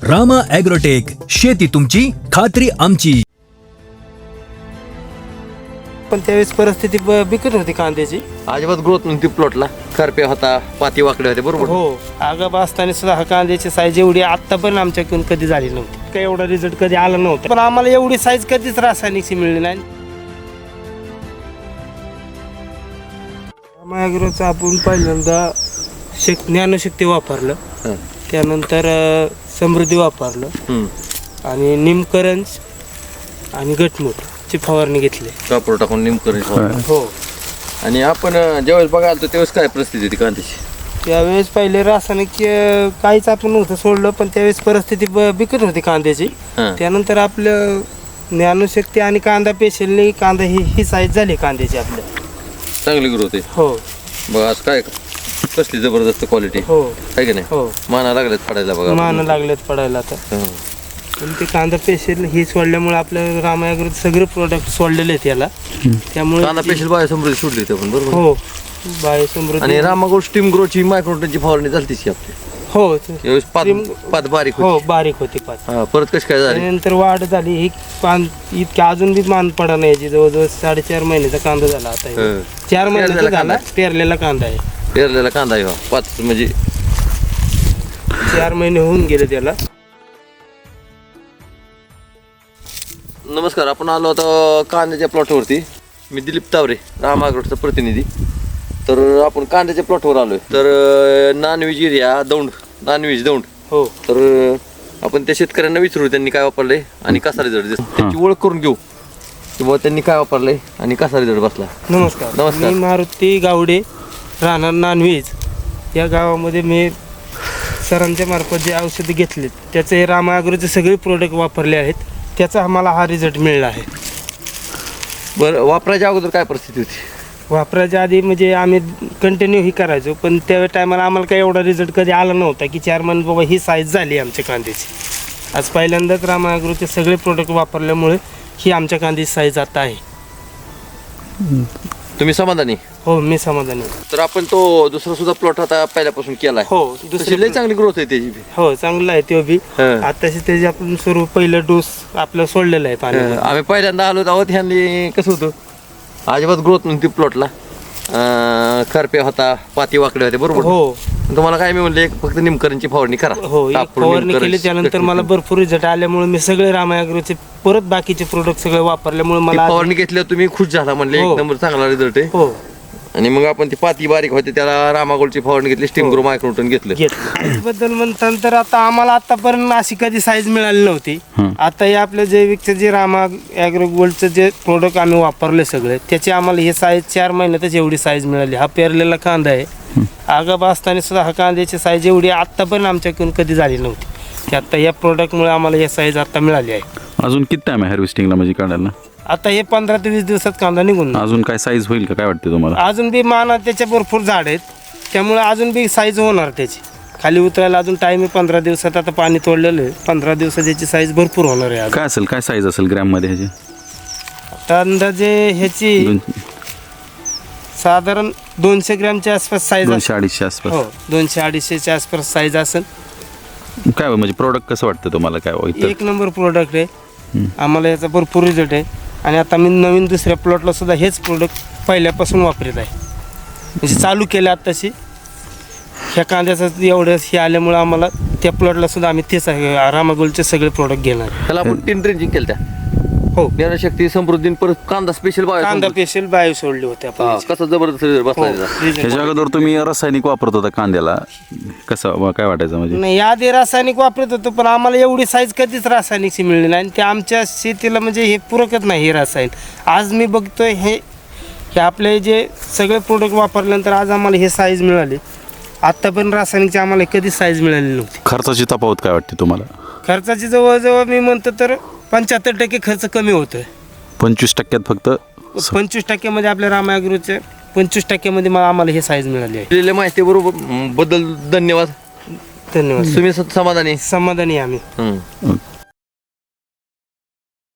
Rama agrotech, शेती तुमची, खात्री आमची. पण त्यावेळेस परिस्थिती बिकट होती कांद्याची. अजिबात ग्रोथ नव्हती प्लॉटला. करप्या होता, पाती वाकडे होते, बरोबर. हो, आगाप असताना सुद्धा हा कांद्याची साईज एवढी आता पण आमच्याकडून कधी झाली नव्हती. काही एवढा रिझल्ट कधी आला नव्हता, पण आम्हाला एवढी साईज कधीच रासायनिकची मिळली नाही. ॲग्रोचं आपण पहिल्यांदा ज्ञानशक्ती वापरलं, त्यानंतर समृद्धी वापरलं आणि निमकरंज आणि गटमूटची फवारणी घेतली. कापड टाकून निमकरण. हो, आणि आपण ज्यावेळेस बघायला त्यावेळेस काय परिस्थिती होती कांद्याची? त्यावेळेस पहिले रासायनिक काहीच आपण नव्हतं सोडलं, पण त्यावेळेस परिस्थिती बिकट होती कांद्याची. त्यानंतर आपलं ज्ञानशक्ती आणि कांदा पेशलने कांदा ही साईज झाली कांद्याची आपल्या. चांगली ग्रोथ आहे. हो, बघ आज काय कसली जबरदस्त क्वालिटी हो, आहे की नाही. हो, माना लागल्यात पडायला बघा. मान लागलेत पडायला आता. पण ते कांदा पेशल ही सोडल्यामुळे आपल्या रामा ॲग्रोचे सगळे प्रोडक्ट सोडलेले आहेत याला. त्यामुळे कांदा स्पेशल बायो समृद्धी सोडली होती आपण, बरोबर. हो, बायोसमृद्धी. आणि रामागोल्ड स्टीम ग्रोची मायक्रोटनची फवारणी झाली ती आपली. हो, त्यावेळेस पात बारीक हो, होती. बारीक होती पाच. परत कशी काय झाली? त्यानंतर वाढ झाली. ही पान इतक्या अजून बी मान पडा नाही याची. जवळजवळ 4.5 महिन्याचा कांदा झाला आता. 4 महिन्याचा झाला, पेरलेला कांदा आहे. पेरलेला कांदा आहे. पाच म्हणजे 4 महिने होऊन गेले त्याला. नमस्कार, आपण आलो आता कांद्याच्या प्लॉटवरती. मी दिलीप तावरे, रामा ॲग्रोचा प्रतिनिधी. तर आपण कांद्याच्या प्लॉटवर आलोय. तर nonveg area Daund, nonveg Daund. हो, तर आपण त्या शेतकऱ्यांना विचारू त्यांनी काय वापरलंय आणि कसा रिझल्ट, त्याची ओळख करून घेऊ किंवा त्यांनी काय वापरलंय आणि कसा रिझल्ट बसला. नमस्कार. नमस्कार. मी मारुती गावडे, राहणार नानव्हेज या गावामध्ये. मी सरांच्या मार्फत जे औषधं घेतलेत त्याचे रामा ॲग्रोचे सगळे प्रोडक्ट वापरले आहेत. त्याचा आम्हाला हा रिझल्ट मिळाला आहे. बरं, वापरायच्या अगोदर काय परिस्थिती होती? वापरायच्या आधी म्हणजे आम्ही कंटिन्यू ही करायचो, पण त्या टायमाला आम्हाला काही एवढा रिझल्ट कधी आला नव्हता की 4 महिने बाबा ही साईज झाली आमच्या कांद्याची. आज पहिल्यांदाच रामा ॲग्रोचे सगळे प्रोडक्ट वापरल्यामुळे ही आमच्या कांद्याची साईज आता आहे. तुम्ही समाधानी? हो, मी समाधानी. तर आपण तो दुसरा सुद्धा प्लॉट आता पहिल्यापासून केलाय. हो, दुसरी लय चांगली ग्रोथ आहे त्याची. हो, चांगला आहे तो बी. आताशी त्याची आपण सुरू पहिलं डोस आपलं सोडलेलं आहे पाणी. आम्ही पहिल्यांदा आलो आहोत. ह्यांनी कसं होतं, अजिबात ग्रोथ नव्हती प्लॉटला. करप्या होता, पाती वाकडे होते, बरोबर. हो, तुम्हाला काय मी म्हणले, फक्त निमकरणची फवारणी करा. हो, एक फवारणी केली. त्यानंतर मला भरपूर रिझल्ट आल्यामुळे मी सगळे रामा ॲग्रोचे परत बाकीचे प्रोडक्ट सगळे वापरल्यामुळे मला फवारणी घेतल्यावर तुम्ही खुश झाला, म्हणले एक नंबर चांगला रिझल्ट आहे. हो. आणि मग आपण ती पाती बारीक होते त्याला रामागोल्डची फवारणी घेतली, स्टीम ग्रो मायक्रोटन घेतलं. त्याबद्दल म्हणताना आता आम्हाला आतापर्यंत अशी कधी साईज मिळाली नव्हती. आता हे आपलं जैविकचं जे रामा ॲग्रो गोल्डचं जे प्रोडक्ट आम्ही वापरले सगळे, त्याची आम्हाला हे साईज 4 महिन्यातच एवढी साईज मिळाली. हा पेरलेला कांदा आहे. आगाप असताना सुद्धा हा कांद्याची साईज एवढी आतापर्यंत आमच्याकडून कधी झाली नव्हती. की आता या प्रोडक्टमुळे आम्हाला ही साईज आता मिळाली आहे. अजून किती टाइम आहे हार्वेस्टिंगला, म्हणजे काढायला? आता हे 15 ते 20 दिवसात कांदा निघून. अजून काय साईज होईल का, काय वाटतं तुम्हाला? अजून बी माना त्याच्या भरपूर झाड आहेत, त्यामुळे अजून बी साईज होणार त्याची. खाली उतरायला अजून टाईम आहे 15 दिवसात. आता पाणी तोडलेलं आहे, 15 दिवसात याची साईज भरपूर होणार आहे. काय असेल, काय साईज असेल ग्रॅममध्ये ह्याची? आता अंदाजे ह्याची साधारण 200 ग्रॅमच्या आसपास साईज. 200-250 आसपास. हो, 200-250च्या आसपास साईज असेल. काय म्हणजे प्रोडक्ट कसं वाटतं तुम्हाला? काय एक नंबर प्रोडक्ट आहे. आम्हाला याचा भरपूर रिझल्ट आहे. आणि आता मी नवीन दुसऱ्या प्लॉटला सुद्धा हेच प्रोडक्ट पहिल्यापासून वापरत आहे. म्हणजे चालू केलं आत्ताशी. ह्या कांद्याचं एवढं हे आल्यामुळे आम्हाला त्या प्लॉटला सुद्धा आम्ही तेच रामा गोल्डचे सगळे प्रोडक्ट घेणार. त्याला आपण 3 ड्रेंजिंग केलं त्या. हो, ज्ञानशक्ती, समृद्धी, परत कांदा स्पेशल कांदा स्पेशल बायो सोडले होते आपण. कसा जबरदस्त रिझल्ट बसला त्याचा. ह्याच्या अगोदर तुम्ही रासायनिक वापरत होता कांद्याला, कसं काय वाटायचं? म्हणजे नाही, आधी रासायनिक वापरत होतो, पण आम्हाला एवढी साईज कधीच रासायनिकची मिळली नाही. आणि ते आमच्या शेतीला म्हणजे हे पुरकत नाही हे रासायनिक. आज मी बघतोय हे आपले जे सगळे प्रोडक्ट वापरल्यानंतर आज आम्हाला हे साईज मिळाली. आत्तापर्यंत रासायनिकची आम्हाला कधीच साईज मिळाली नव्हती. खर्चाची तफावत काय वाटते तुम्हाला? खर्चाची जवळजवळ मी म्हणतो तर 75% खर्च कमी होतोय. 25% फक्त? 25% आपल्या रामा ॲग्रोच्या 25% आम्हाला हे साईज मिळाली आहे. दिलेल्या माहिती बरोबर बद्दल धन्यवाद. धन्यवाद. तुम्ही समाधानी? समाधानी आम्ही. ओके.